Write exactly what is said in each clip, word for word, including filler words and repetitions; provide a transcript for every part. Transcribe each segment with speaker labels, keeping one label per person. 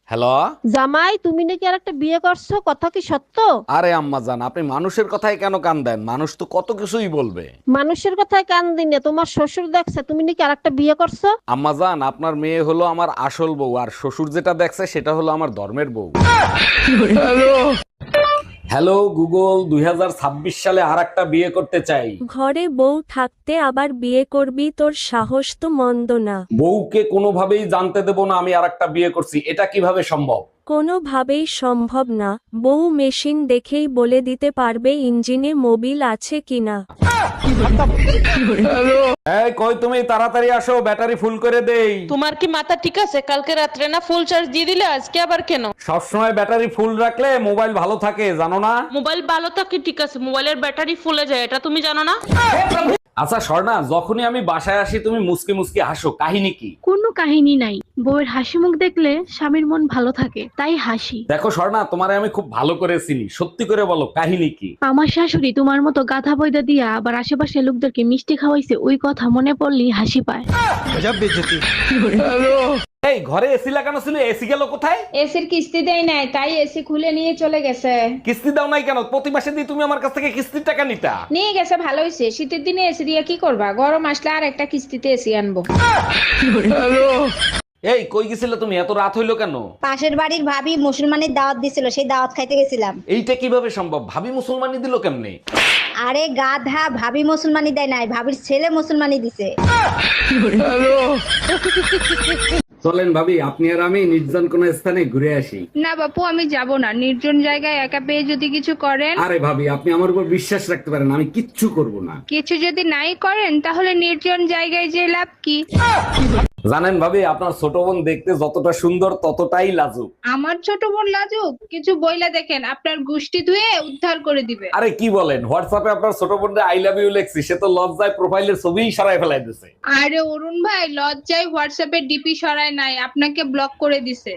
Speaker 1: Hello.
Speaker 2: জামাই, তুমি নাকি আর একটা বিয়ে করছো, কথা কি সত্য?
Speaker 1: আরে আম্মা জান, আপনি মানুষের কথায় কেন কান দেন? মানুষ তো কত কিছুই বলবে।
Speaker 2: মানুষের কথায় কান দিনে তোমার শ্বশুর দেখছে তুমি নাকি আর একটা বিয়ে করছো।
Speaker 1: আম্মা জান, আপনার মেয়ে হলো আমার আসল বউ, আর শ্বশুর যেটা দেখছে সেটা হলো আমার ধর্মের বউ। হ্যালো গুগল, দুই হাজার ছাব্বিশ সালে আর একটা বিয়ে করতে চাই।
Speaker 3: ঘরে বউ থাকতে আবার বিয়ে করবি, তোর সাহস তো মন্দ না।
Speaker 1: বউকে কোনোভাবেই জানতে দেব না আমি আর একটা বিয়ে করছি, এটা কিভাবে সম্ভব?
Speaker 3: কোনোভাবেই সম্ভব না। বউ মেশিন দেখেই বলে দিতে পারবে ইঞ্জিনে মোবিল আছে কিনা।
Speaker 1: এই কই তুমি, তাড়াতাড়ি আসো, ব্যাটারি ফুল করে দেই।
Speaker 4: তোমার কি মাথা ঠিক আছে? কালকে রাত্রে না ফুল চার্জ দিয়ে দিলে, আজকে আবার কেন?
Speaker 1: সবসময় ব্যাটারি ফুল রাখলে মোবাইল ভালো থাকে, জানো না?
Speaker 4: মোবাইল ভালো থাকে ঠিক আছে, মোবাইলের ব্যাটারি ফুলে যায়, এটা তুমি জানো না?
Speaker 1: আচ্ছা স্বর্ণা, যখনই আমি বাসায় আসি তুমি মুসকে মুসকে হাসো, কাহিনী কি?
Speaker 5: কোনো কাহিনী নাই, বউয়ের হাসি মুখ দেখলে স্বামীর মন ভালো থাকে, তাই হাসি।
Speaker 1: দেখো স্বর্ণা, তোমারে আমি খুব ভালো করে চিনি, সত্যি করে বলো কাহিনী কি?
Speaker 5: আমার শাশুড়ি তোমার মতো গাধা বইদা দিয়া আবার আশেপাশে লোকদেরকে মিষ্টি খাওয়াইছে, ওই কথা মনে পড়লেই হাসি পায়।
Speaker 1: এই ঘরে এসি লাগানো ছিল, এসি গেল কোথায়?
Speaker 6: এসির কিস্তি দেয় নাই, তাই এসি খুলে নিয়ে চলে গেছে।
Speaker 1: কিস্তি দাও নাই কেন? প্রতি মাসে দিয়ে তুমি আমার কাছ থেকে কিস্তির টাকা নিতা।
Speaker 6: নিয়ে গেছে, ভালো হয়েছে। শীতের দিনে এসি দিয়ে কি করবা? গরম আসলে আর একটা কিস্তিতে এসি আনবো।
Speaker 1: এই কই গেছিলে তুমি? এত রাত হইলো কেন?
Speaker 7: পাশের বাড়ির ভাবি মুসলমানের দাওয়াত দিছিল, সেই দাওয়াত খাইতে গেছিলাম।
Speaker 1: এইটা কিভাবে সম্ভব? ভাবি মুসলমানি দিল কেমনে?
Speaker 7: আরে গাধা, ভাবি মুসলমানি দেয় নাই, ভাবির ছেলে মুসলমানি দিছে।
Speaker 1: চলেন ভাবি, আপনি আর আমি নির্জন কোন স্থানে ঘুরে আসি।
Speaker 8: না বাপু, আমি যাব না। নির্জন জায়গায় একা পেয়ে যদি কিছু করেন।
Speaker 1: আরে ভাবি, আপনি আমার উপর বিশ্বাস রাখতে পারেন, আমি কিচ্ছু করব না।
Speaker 8: কিছু যদি নাই করেন তাহলে নির্জন জায়গায় যে লাভ কি?
Speaker 1: জানেন ভাবি, আপনার ছোট বোন দেখতে যতটা সুন্দর ততটাই লাজুক।
Speaker 8: আমার ছোট বোন লাজুক? কিছু বইলা দেখেন, আপনার গোষ্ঠী ধুয়ে উদ্ধার করে দিবে।
Speaker 1: আরে কি বলেন, হোয়াটসঅ্যাপে আপনার ছোট বোনরে আই লাভ ইউ লেখছি, সে তো লজ্জায় প্রোফাইলের ছবিই সরাই ফেলাই দিছে।
Speaker 8: আরে অরুণ ভাই, লজ্জায় হোয়াটসঅ্যাপে ডিপি সরায় নাই, আপনাকে ব্লক করে দিছে।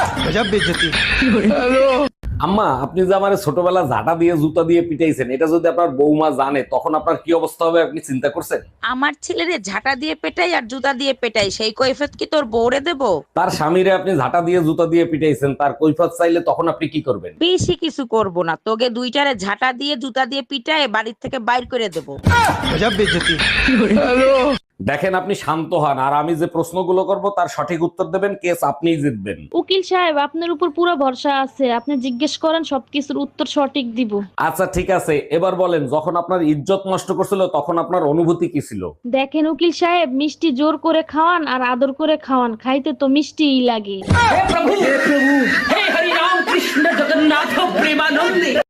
Speaker 1: আম্মা, আপনি যে আমার ছোটবেলা ঝাঁটা দিয়ে জুতা দিয়ে পিটাইছেন, এটা যদি আপনার বৌমা জানে তখন আপনার কি অবস্থা হবে আপনি চিন্তা করছেন?
Speaker 9: আমার ছেলেরে ঝাঁটা দিয়ে পেটাই আর জুতা দিয়ে পেটাই, সেই কৈফিয়ত কি তোর বউরে দেবো?
Speaker 1: তার স্বামীরে আপনি ঝাঁটা দিয়ে জুতা দিয়ে পিটাইছেন, তার কৈফিয়ত চাইলে তখন আপনি কি করবেন?
Speaker 9: বেশি কিছু করব না, তোকে দুইটারে ঝাঁটা দিয়ে জুতা দিয়ে পিটায় বাড়ির থেকে বাইর করে দেবো।
Speaker 1: দেখেন, আপনি শান্ত হন, আর আমি যে প্রশ্নগুলো করব তার সঠিক উত্তর দেবেন, কেস আপনিই জিতবেন।
Speaker 2: উকিল সাহেব, আপনার উপর পুরো ভরসা আছে, আপনি জিজ্ঞেস করেন, সবকিছুর উত্তর সঠিক দিব।
Speaker 1: আচ্ছা ঠিক আছে, এবার বলেন, যখন আপনার ইজ্জত নষ্ট করছিল তখন আপনার অনুভূতি কি ছিল?
Speaker 2: দেখেন উকিল সাহেব, মিষ্টি জোর করে খাওয়ান আর আদর করে খাওয়ান, খাইতে তো মিষ্টিই লাগে।